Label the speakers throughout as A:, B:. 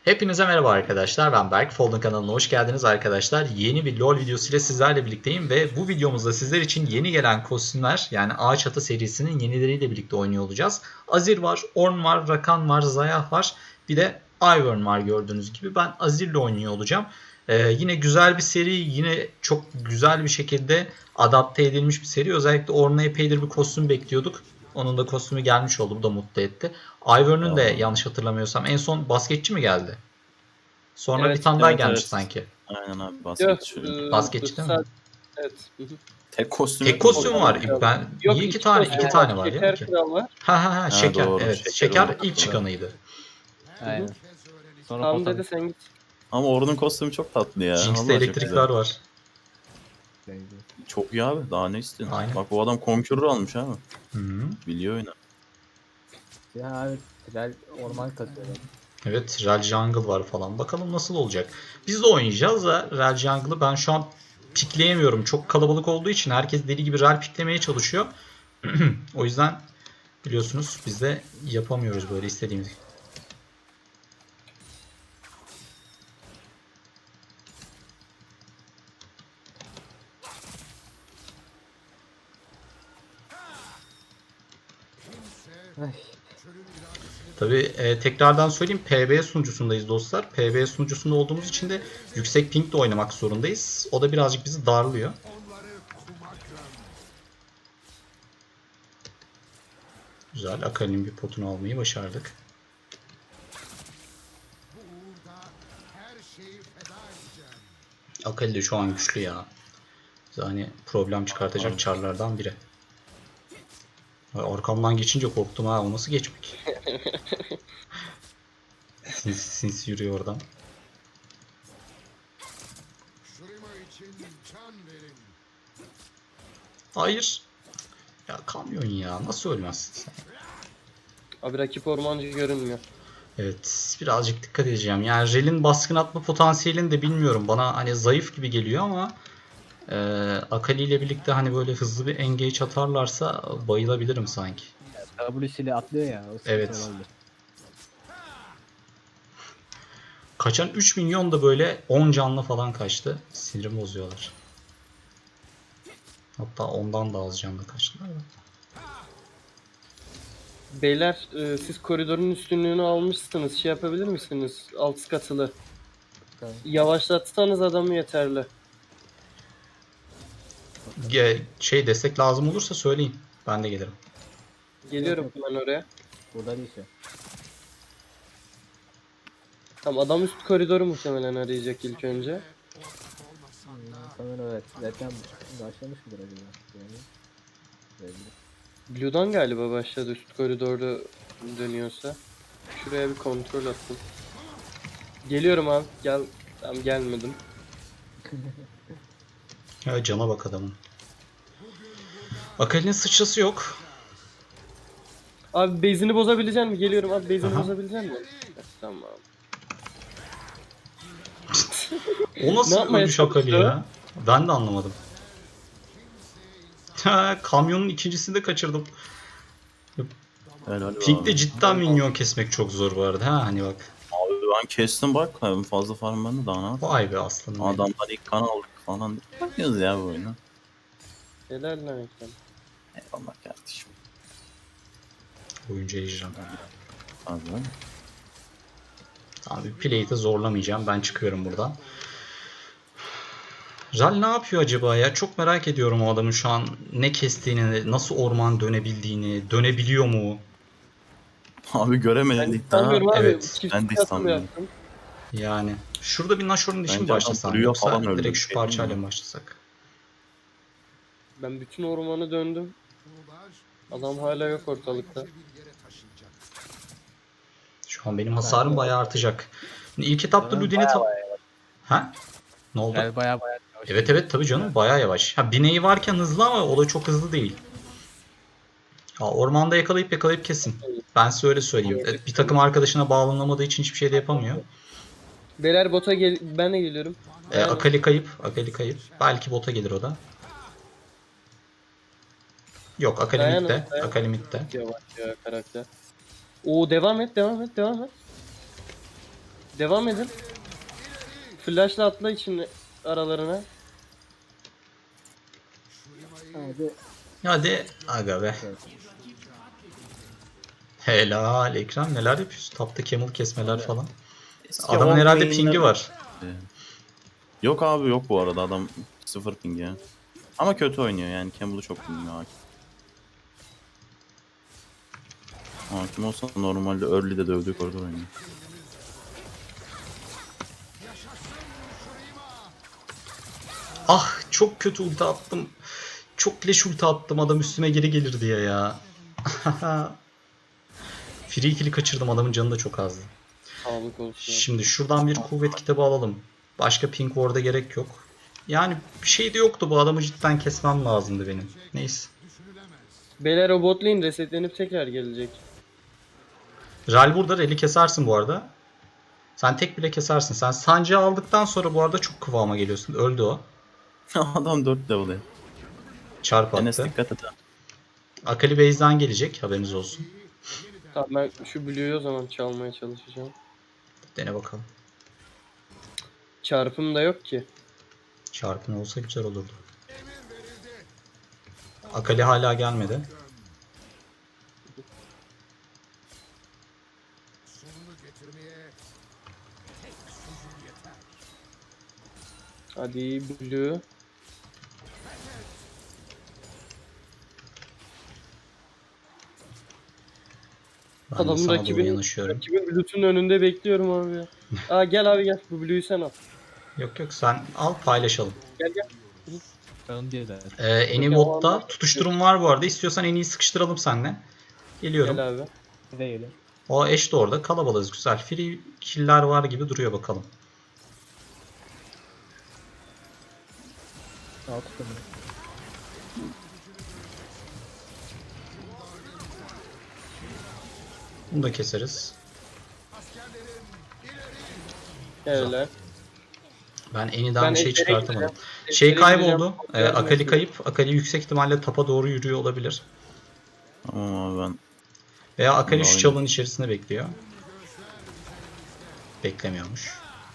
A: Hepinize merhaba arkadaşlar. Ben Berk. Folding kanalına hoş geldiniz arkadaşlar. Yeni bir LoL videosu ile sizlerle birlikteyim ve bu videomuzda sizler için yeni gelen kostümler, yani Ağaç Atı serisinin yenileriyle birlikte oynuyor olacağız. Azir var, Ornn var, Rakan var, Xayah var. Bir de Ivern var gördüğünüz gibi. Ben Azir'le oynuyor olacağım. Yine güzel bir seri, yine çok güzel bir şekilde adapte edilmiş bir seri. Özellikle Ornn'a epeydir bir kostüm bekliyorduk. Onun da kostümü gelmiş oldu. Bu da mutlu etti. Ivern'ın da
B: Ya,
A: yanlış hatırlamıyorsam en son basketçi mi geldi? Sonra bir
C: Evet.
A: tane daha
B: evet
A: gelmiş
B: evet.
A: sanki.
B: Aynen abi
C: Yok.
B: basketçi.
A: Basketçi değil mi?
C: Evet. Hı hı.
B: Tek kostüm
A: Tek
B: yok mu
A: kostüm
B: acaba?
A: var.
C: Kral.
A: Ben
C: Yok,
A: niye iki tane
C: kostüm
A: tane
C: var.
A: var ya
C: Şeker
A: ki?
C: Kral var.
A: Ha
B: Ha,
A: şeker.
B: doğru.
A: Evet.
B: Şeker
A: Şeker
B: oldu.
A: ilk çıkanıydı.
D: Aynen. Sonra
C: Tamam
D: Potan
C: dedi, sen git.
B: Ama Ornn'un kostümü çok tatlı ya.
A: Jinx'te
B: Vallahi çok
A: elektrikler
B: güzel.
A: var.
B: Çok iyi abi. Daha ne istiyorsun?
A: Aynen.
B: Bak bu adam Conqueror almış abi.
A: Hı-hı.
B: Biliyor oyunu.
D: ya abi Tral orman kasıyor.
A: Evet, Rel Jungle var falan. Bakalım nasıl olacak. Biz de oynayacağız da Rel Jungle'ı ben şu an pikleyemiyorum. Çok kalabalık olduğu için herkes deli gibi Rel piklemeye çalışıyor. O yüzden biliyorsunuz biz de yapamıyoruz böyle istediğimiz.
D: Ay.
A: Tabii tekrardan söyleyeyim, PB sunucusundayız dostlar. PB sunucusunda olduğumuz için de yüksek pingle oynamak zorundayız. O da birazcık bizi darlıyor. Güzel, Akali'nin bir potunu almayı başardık. Akali de şu an güçlü ya. Yani problem çıkartacak çarlardan biri. Arkamdan geçince korktum ha. O nasıl geçmek? Sinsi yürüyor oradan. Hayır. Ya kamyon ya. Nasıl ölmezsin sen?
C: Abi rakip ormancı görünmüyor.
A: Evet. Birazcık dikkat edeceğim. Yani Rel'in baskın atma potansiyelini de bilmiyorum. Bana hani zayıf gibi geliyor ama Akali ile birlikte hani böyle hızlı bir engage atarlarsa bayılabilirim sanki.
D: W'siyle atlıyor ya. O sıkıntı
A: Evet.
D: olabilir.
A: Kaçan 3 milyon da böyle 10 canlı falan kaçtı. Sinirimi bozuyorlar. Hatta ondan da az canlı kaçtılar.
C: Beyler, siz koridorun üstünlüğünü almışsınız. Şey yapabilir misiniz? Alt katılı.
D: Tamam.
C: Yavaşlatsanız adamı yeterli.
A: Şey destek lazım olursa söyleyin. Ben de gelirim.
C: Geliyorum
D: Yok,
C: hemen oraya.
D: Burada değil şu.
C: Tamam, adam üst koridoru muhtemelen arayacak ilk önce.
D: Sanırım evet. Zaten başlamış mıdır acaba? Yani. Belli.
C: Blue'dan galiba başladı, üst koridorda dönüyorsa. Şuraya bir kontrol attım. Geliyorum abi. Gel. Tamam, gelmedim.
A: Ya cana bak adamın. Akali'nin sıçrası yok.
C: Abi base'ini bozabilecek mi? Geliyorum abi, base'ini
A: Aha.
C: bozabilecek mi? Tamam.
A: O
C: Ne
A: nasıl
C: yapmaya
A: ölüş Akali
C: çalıştı?
A: ya? Ben de anlamadım. Kamyonun ikincisini de kaçırdım.
B: Helal be
A: Pink'te
B: abi.
A: cidden minyon kesmek çok zor bu arada. Ha hani bak.
B: Abi ben kestim bak. Hem fazla farm bende daha ne yapayım?
A: Vay be aslanım benim.
B: Adamlar ilk kan aldık falan. Yapıyoruz ya bu oyunu.
C: Helal lan Ekrem.
B: Eyvallah kardeşim.
A: Oyuncu ejderha.
B: Abi.
A: Tamam, bir play'i de zorlamayacağım. Ben çıkıyorum buradan. Ral ne yapıyor acaba ya? Çok merak ediyorum o adamın şu an ne kestiğini, nasıl orman dönebildiğini, dönebiliyor mu?
B: Abi
C: Ben
B: göremedik daha.
C: sanmıyorum abi.
A: Evet.
C: Çift
B: Ben de
C: katıl
B: sanmıyorum.
C: yaptım.
A: Yani şurada bir Nashor'un dişi mi
B: Bence adam
A: başlasam
B: Blue'ya
A: yoksa
B: falan öldü,
A: direkt
B: bir
A: şu
B: şey
A: parçayla
B: bilmiyorum.
A: mı başlasak?
C: Ben bütün ormanı döndüm. Adam hala yok ortalıkta.
A: Şu an benim hasarım bayağı artacak. Şimdi İlk etapta Luden'i Ha? Ne oldu?
D: Yani baya yavaş.
A: Evet evet tabii canım bayağı yavaş. Ha bineği varken hızlı ama o da çok hızlı değil. Ha, ormanda yakalayıp kesin. Ben size öyle söyleyeyim.
C: Gördük.
A: Bir takım arkadaşına bağlanamadığı için hiçbir şey de yapamıyor.
C: Beyler bota gel, ben de geliyorum. Dayanın.
A: Akali kayıp. Akali kayıp. Belki bota gelir o da. Yok Akali
C: Dayanın,
A: midde.
C: dayanın.
A: Akali midde.
C: Yavaş ya karakter. Oo, devam et. Devam edin. Flash'la atla için aralarına.
D: Hadi.
A: Hadi aga be.
D: Evet.
A: Helal Ekrem, neler yapıyorsun? Tapta camel kesmeler falan.
B: Eski
A: Adamın
B: Orn
A: herhalde
B: main'ler-
A: pingi var.
B: Yok abi yok bu arada adam 0 ping ya. Ama kötü oynuyor yani Campbell'ı çok bilmiyor hakim. Hakim olsa normalde early'de dövdüğü koridor oynuyor.
A: Ah, çok kötü ulti attım. Çok leş ulti attım, adam üstüme geri gelir diye ya. Free kill'i kaçırdım, adamın canı da çok azdı.
C: Sağlık olsun.
A: Şimdi şuradan bir kuvvet kitabı alalım. Başka pink ward'a gerek yok. Yani bir şey de yoktu, bu adamı cidden kesmem lazımdı benim. Neyse.
C: Beyler o bot lane resetlenip tekrar gelecek.
A: Ral burada, Rel'i kesersin bu arada. Sen tek bile kesersin. Sen sancı aldıktan sonra bu arada çok kıvama geliyorsun. Öldü o.
B: Adam 4 level ya.
A: Çarp
B: Enes
A: attı.
B: dikkat et ha.
A: Akali base'den gelecek, haberiniz olsun.
C: Tamam ben şu Blue'yu o zaman çalmaya çalışacağım.
A: Dene bakalım.
C: Çarpım da yok ki.
A: Çarpın olsa güzel olurdu. Akali hala gelmedi.
C: Hadi Blue.
A: Ben de
C: Adamın
A: sana doğru
C: rakibinin,
A: yanaşıyorum.
C: rakibin Blue'nun önünde bekliyorum abi ya. Aa gel abi gel. Bu Blue'yu sen al.
A: Yok yok, sen al paylaşalım.
C: Gel gel.
E: Ben diye de.
A: En iyi botta tutuşturum var bu arada. İstiyorsan en iyi sıkıştıralım seninle. Geliyorum.
C: Gel abi.
D: Bir de geliyor.
A: O Ashe de orada. Kalabalığız, güzel. Free kill'ler var gibi duruyor, bakalım.
D: Al tutun.
A: Bunu da keseriz.
C: Gel.
A: Ben Eni'den bir şey
C: Ejder'e
A: çıkartamadım.
C: gideceğim.
A: Şey
C: Ejder'e
A: kayboldu.
C: gideceğim.
A: Akali
C: Yardım
A: kayıp. Akali yüksek ihtimalle tapa doğru yürüyor olabilir.
B: Tamam abi ben
A: Veya Akali şu
B: Aynen.
A: çalının içerisinde bekliyor. Beklemiyormuş.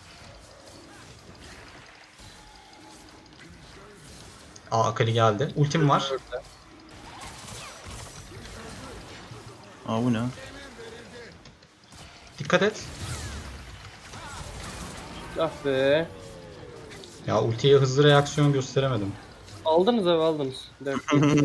A: Akali geldi. Ultim var.
B: Aa bu ne?
A: Dikkat et.
C: Ah be.
A: Ya ultiye hızlı reaksiyon gösteremedim.
C: Aldınız abi aldınız. Dert değil.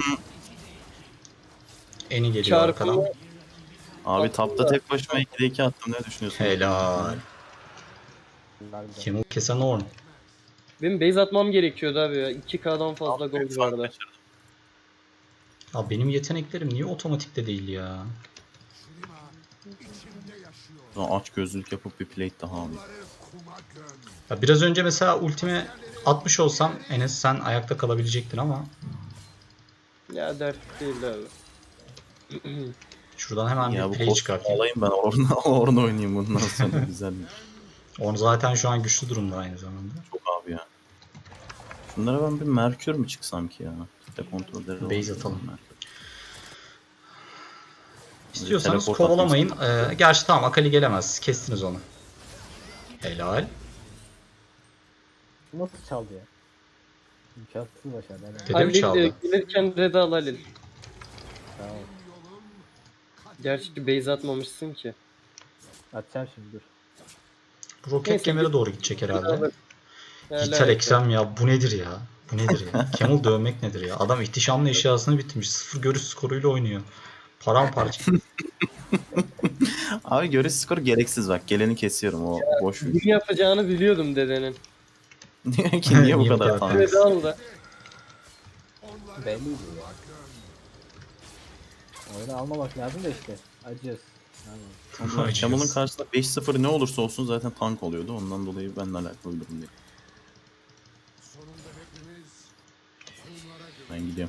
A: Eni geliyor arkadan.
C: Çarpımı
B: Abi tapta tek başıma 2'de 2 attım ne düşünüyorsun?
A: Helal.
D: Bunlar bir de.
A: Kim kesen Orn.
C: benim base atmam gerekiyordu abi ya. 2K'dan fazla
B: Büyük
C: gold
B: fark
C: vardı.
B: kaçırdım.
A: Ya benim yeteneklerim niye otomatikte değil ya?
B: Ulan aç gözlülük yapıp bir plate daha alayım.
A: Ya biraz önce mesela ultimi atmış olsam Enes sen ayakta kalabilecektin ama
C: Ya dert değil abi.
A: şuradan hemen
B: Ya
A: bir
B: bu
A: play
B: kostümü
A: çıkartayım.
B: alayım ben Orn'u oynayayım bundan sonra güzel.
A: Orn zaten şu an güçlü durumda aynı zamanda.
B: Çok abi ya. Şunlara ben bir Merkür mü çıksam ki ya? Kitle kontrolleri
A: Base
B: olan
A: atalım.
B: Merkür.
A: İstiyorsanız
B: Teleport
A: kovalamayın. Gerçi tamam, Akali gelemez. Kestiniz onu. Helal.
D: Bu nasıl çaldı ya? İmkansız başardı. Hemen.
A: Dede mi
C: Halil
A: çaldı?
C: gelirken red al Halil.
D: Tamam.
C: Gerçi base atmamışsın ki.
D: Atacağım şimdi dur.
A: Bu roket
C: Neyse,
A: kemere doğru gidecek herhalde.
C: Helal
A: Vital Exem ya, bu nedir ya? Bu nedir ya? Camel dövmek nedir ya? Adam ihtişamlı eşyasını bitmiş. 0 görüş skoruyla oynuyor. Paramparça.
B: Abi görüş skoru gereksiz bak. Geleni kesiyorum o boş.
C: Bunu yapacağını biliyordum dedenin.
B: Diyor ki niye bu
A: Niye bu
B: kadar
A: kadar
B: tanrı?
C: Red al da.
D: Belliydi ya. Oyunu almamak lazım da işte. Acıyoruz. Yani.
B: Camel'ın karşısında 5-0 ne olursa olsun zaten tank oluyordu. Ondan dolayı benimle alakalı bir durum değil. Ben gidiyorum.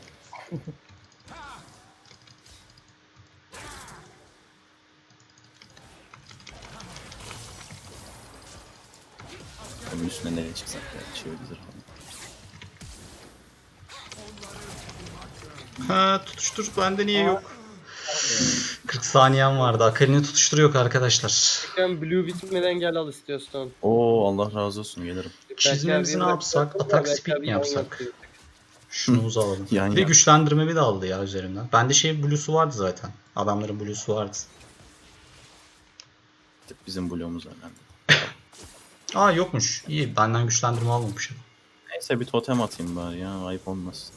B: Onun üstüne nereye çıksak ya? Şey güzel falan.
A: Ha, tutuştur, bende niye yok? 40 saniyem vardı. Akali'ni tutuşturuyor arkadaşlar.
C: Sen Blue bitmeden gel al istiyorsan.
B: Oo Allah razı olsun gelirim.
A: Çizmemizi ne yapsak? Atak speed mi yapsak? Şunumuzu alalım.
B: Yan
A: Bir de
B: yan.
A: güçlendirmemi de aldı ya üzerimden. Bende blue'su vardı zaten. Adamların blue'su vardı.
B: Bizim bloğumuz önemli.
A: Aa yokmuş. İyi, benden güçlendirme almamışım.
B: Neyse bir totem atayım bari ya, ayıp olmaz.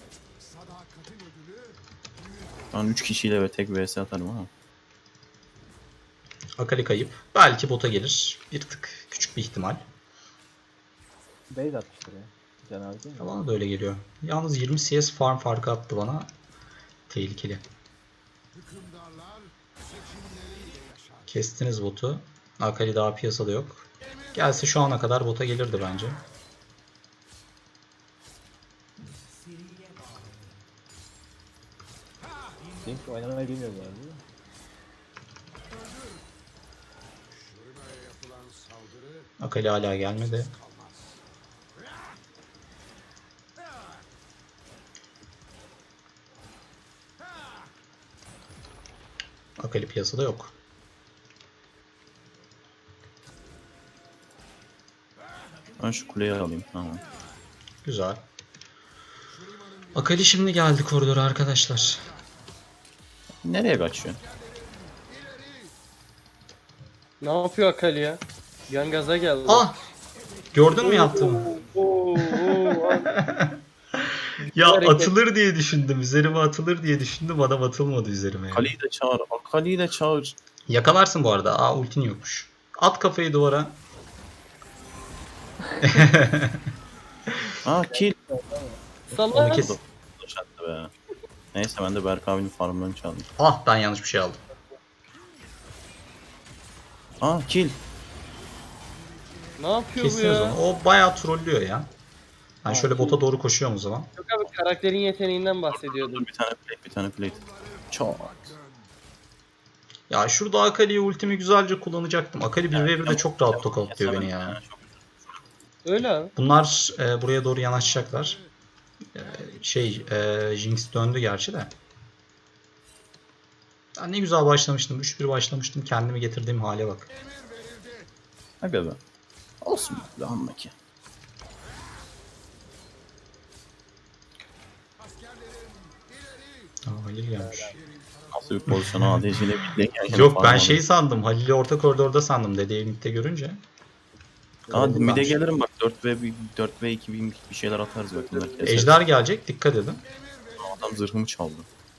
B: Ben 3 kişiyle ve tek vs atarım ama.
A: Akali kayıp. Belki bota gelir. Bir tık küçük bir ihtimal.
D: Base atmıştır ya. Can abi değil mi?
A: Bana da öyle geliyor. Yalnız 20 CS farm farkı attı bana. Tehlikeli. Kestiniz botu. Akali daha piyasada yok. Gelse şu ana kadar bota gelirdi bence.
D: Jinx oynamayı bilmiyor bu arada değil mi?
A: Akali hala gelmedi. Akali piyasada yok.
B: Ben şu kuleyi alayım, tamam.
A: Güzel. Akali şimdi geldi koridora arkadaşlar.
B: Nereye kaçıyor?
C: Ne yapıyor Akali ya? Yan gaza geldi.
A: Ah! Gördün mü yaptığımı? Ya
C: hareket.
A: atılır diye düşündüm. Üzerime atılır diye düşündüm. Adam atılmadı üzerime. Yani.
B: Akali'yi de çağır, Akali'yi de çağır.
A: Yakalarsın bu arada. Aa ultin yokmuş. At kafayı duvara.
B: Aa kill.
A: Onu
C: Salak.
A: kes.
B: Yaşattı be. Neyse ben de Berk abinin farmlarını çaldım.
A: Ah ben yanlış bir şey aldım.
B: Aa kill.
C: Ne yapıyor bu
A: Kestiniz
C: ya?
A: onu. O bayağı trollüyor ya. Ben şöyle bota doğru koşuyorum o zaman.
C: Yok abi karakterin yeteneğinden bahsediyordum.
B: Dur bir tane plate, bir tane plate. Çok.
A: Ya şurada Akali'ye ultimi güzelce kullanacaktım. Akali 1v1'de çok rahat tokatlıyor beni ya.
C: Öyle abi.
A: Bunlar buraya doğru yanaşacaklar. Jinx döndü gerçi de. Ben ne güzel başlamıştım. 3-1 başlamıştım. Kendimi getirdiğim hale bak.
B: Aga be. Olsun be anla ki.
A: Aa, Halil gelmiş.
B: Nasıl bir pozisyona ADC'yle birlikte
A: Yok ben şey sandım. Halil'i orta koridorda sandım. Dedeyi midde görünce.
B: Aa
A: Oldu
B: mid'e
A: bence.
B: gelirim bak 4 ve 2 bir şeyler atarız bak bunlar keseriz.
A: Ejder gelecek. Dikkat edin.
B: Adam zırhımı çaldı.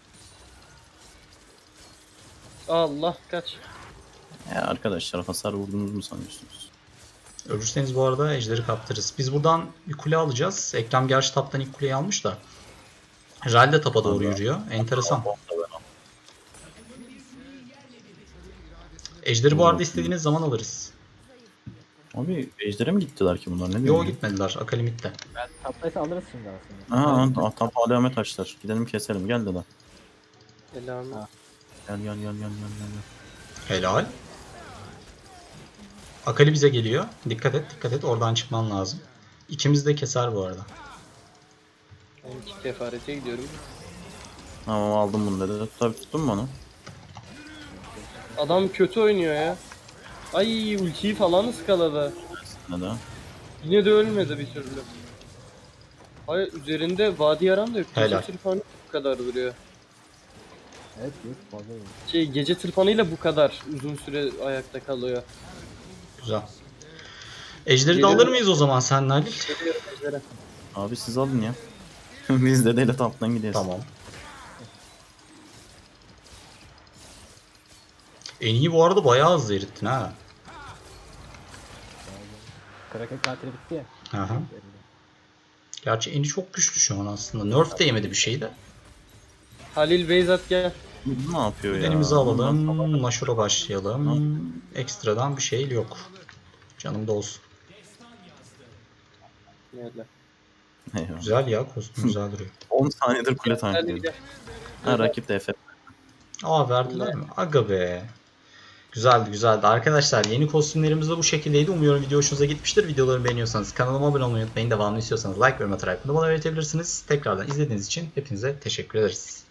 C: Allah kaç.
B: Ya arkadaşlar hasar vurdunuz mu sanıyorsunuz?
A: Ölürseniz bu arada ejderi kaptırırız. Biz buradan bir kule alacağız. Ekrem gerçi taptan ilk kuleyi almış da. Ral de tapa doğru yürüyor. Enteresan. Ejderi bu arada istediğiniz zaman alırız.
B: Abi ejder'e mi gittiler ki bunlar ne diyor?
A: Yo gitmediler. Akali midde.
D: Taptaysa alırız şimdi aslında.
B: Aa tap alamet açtılar. Gidelim keselim gel dede.
C: Selam.
D: Ha.
B: Gel.
A: Helal. Akali bize geliyor. Dikkat et. Oradan çıkman lazım. İkimiz de keser bu arada.
C: Ben iki kefarete gidiyorum.
B: Tamam aldım bunu dede. Tabii tuttun mu onu?
C: Adam kötü oynuyor ya. Ay ultiyi falan ıskaladı.
B: Dede.
C: Yine de ölmedi bir türlü. Hayır üzerinde vadi yaran da yok. Gece
A: Helal.
C: tırpanı bu kadar duruyor.
D: Evet yok fazla değil.
C: Gece tırpanıyla bu kadar uzun süre ayakta kalıyor.
A: Güzel. Ejderi de
C: Geliyorum.
A: alır mıyız o zaman senle Halil?
C: Geliyorum ejderha.
B: Abi siz alın ya. Biz dedeyle taptan gideriz.
A: Tamam. En iyi bu arada bayağı hızlı erittin ha.
D: Kraken katili bitti ya.
A: Aha. Gerçi Eni çok güçlü şu an aslında. Nerf de yemedi bir şey de.
C: Halil Beyzat gel.
B: Bu ne yapıyor ya?
A: Denimizi alalım.
B: Bunlar-
A: Nashor'a başlayalım. Ekstradan bir şey yok. Canımda olsun.
C: Nerede?
B: Eyvah.
A: Güzel ya. Kostüm güzel duruyor.
B: 10 saniyedir kule
C: Halil
B: tanklıyorum.
C: gel.
B: Ha rakip de Efe.
A: Aa verdiler mi? Aga be. Güzeldi. Arkadaşlar yeni kostümlerimiz de bu şekildeydi. Umuyorum video hoşunuza gitmiştir. Videoları beğeniyorsanız kanalıma abone olmayı unutmayın. Devamını istiyorsanız like ve yorum atarak bunu bana belirtebilirsiniz. Tekrardan izlediğiniz için hepinize teşekkür ederiz.